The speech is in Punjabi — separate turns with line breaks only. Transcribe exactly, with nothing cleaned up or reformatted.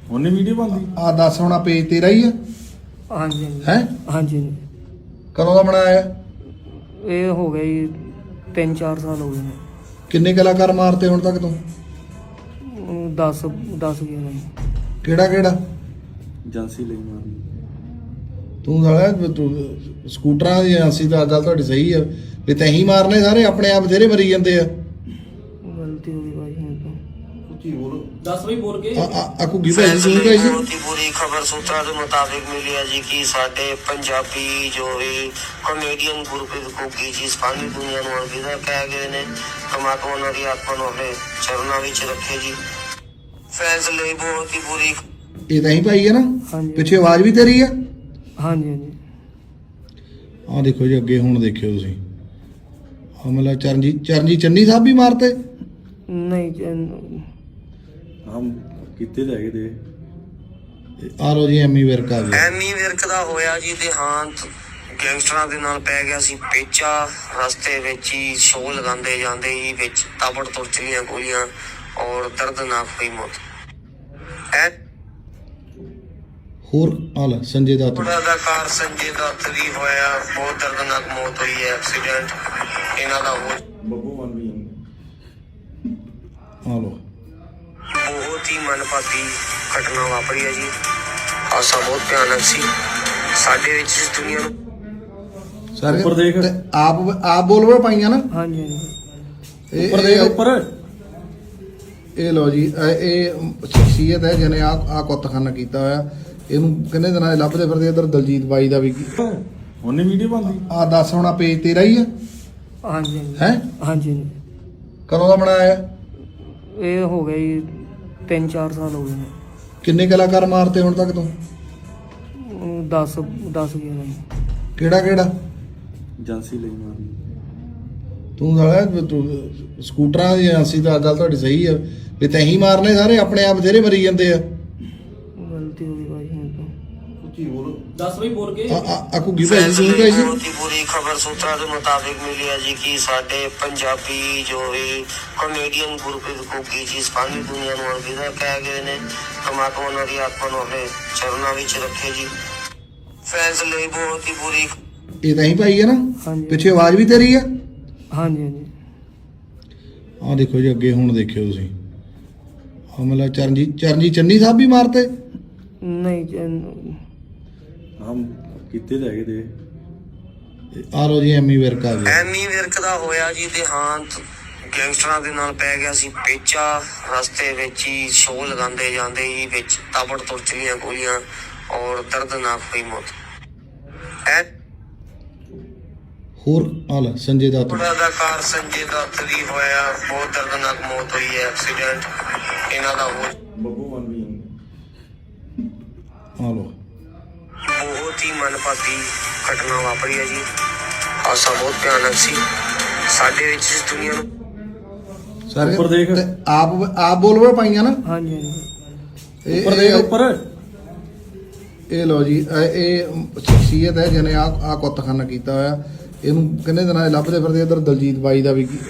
ਉਹਨੇ ਵੀਡੀਓ ਬਣਦੀ
ਆ ਦੱਸ ਹੁਣ ਪੇਜ ਤੇਰਾ ਹੀ ਆ?
ਹਾਂਜੀ ਹਾਂਜੀ
ਹੈ
ਹਾਂਜੀ
ਕਦੋਂ ਦਾ ਬਣਾਇਆ?
ਇਹ ਹੋ ਗਿਆ ਜੀ ਤਿੰਨ ਚਾਰ ਸਾਲ ਹੋ ਗਏ ਨੇ।
ਕਿੰਨੇ ਕਲਾਕਾਰ ਮਾਰਤੇ ਹੁਣ ਤੱਕ ਤੂੰ?
ਦਸ ਦਸ ਗਿਆਰਾਂ ਜੀ।
ਕਿਹੜਾ ਕਿਹੜਾ?
ਏਜੰਸੀ ਲਈ ਮਾਰਨੀ।
ਤੂੰ ਸਾਲਾ ਤੂੰ ਸਕੂਟਰਾਂ ਦੀ ਏਜੰਸੀ ਦਾ ਗੱਲ ਤੁਹਾਡੀ ਸਹੀ ਆ ਵੀ ਤੈਂ ਮਾਰਨੇ ਸਾਰੇ ਆਪਣੇ ਆਪ ਬਥੇਰੇ ਮਰੀ ਜਾਂਦੇ ਆ।
ਗਲਤੀ ਹੋ ਗਈ ਭਾਈ ਮੇਰੇ ਤੋਂ।
ਉੱਚੀ ਬੋਲ दस भी बोल के
ਆ ਘੁੱਗੀ ਭਾਈ ਸੁਣ ਗਈ ਸੀ।
बहुत ही बुरी खबर सूत्रों के मुताबिक मिली है जी कि साडे पंजाबी जो भी कॉमेडियन गुरप्रीत घुग्गी जी सारी दुनिया ਨੂੰ अलविदा ਕਹਿ ਗਏ ਨੇ। परमात्मा ਉਹਨਾਂ ਦੀ ਆਤਮਾ ਨੂੰ ਆਪਣੇ ਚਰਨਾਂ ਵਿੱਚ ਰੱਖੇ ਜੀ। ਫੈਨਸ ਲਈ ਬਹੁਤ ਹੀ ਬੁਰੀ।
ਇਹ ਤਾਂ ਹੀ ਭਾਈ ਹੈ ਨਾ?
ਹਾਂਜੀ
ਪਿੱਛੇ ਆਵਾਜ਼ ਵੀ ਤੇਰੀ ਆ?
ਹਾਂਜੀ ਹਾਂਜੀ
ਆ ਦੇਖੋ ਜੀ ਅੱਗੇ ਹੁਣ ਦੇਖਿਓ ਤੁਸੀਂ ਹਮਲਾ ਚਰਨਜੀਤ ਚਰਨਜੀਤ ਚੰਨੀ ਸਾਹਿਬ ਵੀ ਮਾਰਤੇ।
ਨਹੀਂ ਜੀ,
ਹਮ ਕਿੱਥੇ ਜਾ ਕੇ ਦੇ
ਆ ਲੋ ਜੀ ਐਮੀ ਵਿਰਕ ਆ ਗਿਆ।
ਐਮੀ ਵਿਰਕ ਦਾ ਹੋਇਆ ਜੀ ਦੇਹਾਂਤ। ਗੈਂਗਸਟਰਾਂ ਦੇ ਨਾਲ ਪੈ ਗਿਆ ਸੀ ਪੇਚਾ। ਰਸਤੇ ਵਿੱਚ ਹੀ ਸ਼ੋਅ ਲਗਾਉਂਦੇ ਜਾਂਦੇ ਹੀ ਵਿੱਚ ਤਾਬੜ ਤੁਰ ਚਲੀਆਂ ਗੋਲੀਆਂ ਔਰ ਦਰਦਨਾਕ ਹੋਈ ਮੌਤ। ਐ
ਹੋਰ ਆ ਲੈ ਸੰਜੇ ਦੱਤ।
ਅਦਾਕਾਰ ਸੰਜੇ ਦੱਤ ਦੀ ਹੋਇਆ ਬਹੁਤ ਦਰਦਨਾਕ ਮੌਤ ਹੋਈ ਹੈ। ਐਕਸੀਡੈਂਟ ਇਹਨਾਂ ਦਾ ਹੋ
ਬੱਬੂ ਮਨ ਵੀ
ਆ ਲੋ
ਬਹੁਤ ਹੀ ਮਨਭਾਗੀ ਘਟਨਾ ਵਾਪਰੀ ਹੈ ਜੀ। ਹਾਦਸਾ ਬਹੁਤ ਭਿਆਨਕ ਸੀ। ਸਾਡੇ ਵਿੱਚ ਇਸ ਦੁਨੀਆ ਨੂੰ
ਸਾਰੇ
ਉੱਪਰ ਦੇਖ।
ਤੇ ਆਪ ਆਪ ਬੋਲਵੇ ਪਾਈਆਂ ਨਾ।
ਹਾਂਜੀ ਹਾਂਜੀ
ਇਹ
ਉੱਪਰ ਦੇਖ ਉੱਪਰ।
ਇਹ ਲੋ ਜੀ ਇਹ ਇਹ ਸ਼ਖਸੀਅਤ ਹੈ ਜਿਹਨੇ ਆ ਆ ਕੁੱਤਖਾਨਾ ਕੀਤਾ ਹੋਇਆ। ਇਹਨੂੰ ਕਿੰਨੇ ਦਿਨਾਂ ਦੇ ਲੱਭਦੇ ਫਿਰਦੇ। ਇਧਰ ਦਲਜੀਤ ਬਾਈ ਦਾ ਵੀ
ਉਹਨੇ ਵੀਡੀਓ ਬਣਦੀ
ਆ ਦੱਸ ਹੁਣ ਪੇਜ ਤੇਰਾ ਹੀ ਆ?
ਹਾਂਜੀ ਹਾਂਜੀ
ਹੈ
ਹਾਂਜੀ
ਕਦੋਂ ਦਾ ਬਣਾਇਆ?
ਇਹ ਹੋ ਗਿਆ ਜੀ ਤਿੰਨ ਚਾਰ ਸਾਲ ਹੋ ਗਏ ਨੇ।
ਕਿੰਨੇ ਕਲਾਕਾਰ ਮਾਰਤੇ ਹੁਣ ਤੱਕ ਤੂੰ?
ਦਸ ਦਸ ਗਿਆਰਾਂ ਜੀ।
ਕਿਹੜਾ ਕਿਹੜਾ?
ਏਜੰਸੀ ਲਈ ਮਾਰਨੀ।
ਤੂੰ ਸਾਲਾ ਤੂੰ ਸਕੂਟਰਾਂ ਦੀ ਏਜੰਸੀ ਦਾ ਗੱਲ ਤੁਹਾਡੀ ਸਹੀ ਆ ਵੀ ਤੈਂ ਮਾਰਨੇ ਸਾਰੇ ਆਪਣੇ ਆਪ ਬਥੇਰੇ ਮਰੀ ਜਾਂਦੇ ਆ।
ਗਲਤੀ ਹੋ ਗਈ ਭਾਈ ਮੇਰੇ ਤੋਂ।
ਉੱਚੀ ਬੋਲ दस भी बोल के
ਆ ਆ ਘੁੱਗੀ ਭਾਈ ਸੁਣ ਗਈ ਸੀ।
ਬਹੁਤ ਹੀ ਬੁਰੀ ਖਬਰ ਸੂਤਰਾਂ ਦੇ ਮੁਤਾਬਿਕ ਮਿਲੀ ਹੈ ਜੀ ਕਿ ਸਾਡੇ ਪੰਜਾਬੀ ਜੋ ਵੀ ਕॉमेडियन ਗੁਰਪ੍ਰੀਤ ਘੁੱਗੀ ਜੀ ਸਾਰੀ ਦੁਨੀਆ ਨੂੰ अलविदा ਕਹਿ ਗਏ ਨੇ। परमात्मा ਉਹਨਾਂ ਦੀ ਆਤਮਾ ਨੂੰ ਆਪਣੇ ਚਰਨਾਂ ਵਿੱਚ ਰੱਖੇ ਜੀ। ਫੈਨਸ ਲਈ ਬਹੁਤ ਹੀ ਬੁਰੀ।
ਇਹ ਤਾਂ ਹੀ ਭਾਈ ਹੈ ਨਾ?
ਹਾਂਜੀ
ਪਿੱਛੇ ਆਵਾਜ਼ ਵੀ ਤੇਰੀ ਆ?
ਹਾਂਜੀ ਹਾਂਜੀ
ਆ ਦੇਖੋ ਜੀ ਅੱਗੇ ਹੁਣ ਦੇਖਿਓ ਤੁਸੀਂ ਹਮਲਾ ਚਰਨਜੀਤ ਚਰਨਜੀਤ ਚੰਨੀ ਸਾਹਿਬ ਵੀ ਮਾਰਤੇ।
ਨਹੀਂ ਜੀ,
ਹਮ ਕਿੱਥੇ ਜਾ ਕੇ ਦੇ
ਆ ਲੋ ਜੀ ਐਮੀ ਵਿਰਕ ਆ ਗਿਆ।
ਐਮੀ ਵਿਰਕ ਦਾ ਹੋਇਆ ਜੀ ਦੇਹਾਂਤ। ਗੈਂਗਸਟਰਾਂ ਦੇ ਨਾਲ ਪੈ ਗਿਆ ਸੀ ਪੇਚਾ। ਰਸਤੇ ਵਿੱਚ ਹੀ ਸ਼ੋਅ ਲਗਾਉਂਦੇ ਜਾਂਦੇ ਹੀ ਵਿੱਚ ਤਾਬੜ ਤੁਰ ਚਲੀਆਂ ਗੋਲੀਆਂ ਔਰ ਦਰਦਨਾਕ ਹੋਈ ਮੌਤ। ਐ
ਹੋਰ ਆ ਲੈ ਸੰਜੇ ਦੱਤ।
ਅਦਾਕਾਰ ਸੰਜੇ ਦੱਤ ਦੀ ਹੋਇਆ ਬਹੁਤ ਦਰਦਨਾਕ ਮੌਤ ਹੋਈ ਹੈ। ਐਕਸੀਡੈਂਟ ਇਹਨਾਂ ਦਾ ਹੋ
ਬੱਬੂ ਮਨ ਵੀ
ਆ ਲੋ
ਬਹੁਤ ਹੀ ਮਨਭਾਗੀ ਘਟਨਾ ਵਾਪਰੀ ਹੈ ਜੀ। ਹਾਦਸਾ ਬਹੁਤ ਭਿਆਨਕ ਸੀ। ਸਾਡੇ ਵਿੱਚ ਇਸ ਦੁਨੀਆ ਨੂੰ
ਸਾਰੇ
ਉੱਪਰ ਦੇਖ।
ਤੇ ਆਪ ਆਪ ਬੋਲਵੇ ਪਾਈਆਂ ਨਾ।
ਹਾਂਜੀ ਹਾਂਜੀ
ਇਹ
ਉੱਪਰ ਦੇਖ
ਇਹ-
ਉੱਪਰ।
ਇਹ ਲੋ ਜੀ ਇਹ ਇਹ ਸ਼ਖਸੀਅਤ ਹੈ ਜਿਹਨੇ ਆ ਆ ਕੁੱਤਖਾਨਾ ਕੀਤਾ ਹੋਇਆ। ਇਹਨੂੰ ਕਿੰਨੇ ਦਿਨਾਂ ਦੇ ਲੱਭਦੇ ਫਿਰਦੇ। ਇਧਰ ਦਲਜੀਤ ਬਾਈ ਦਾ ਵੀ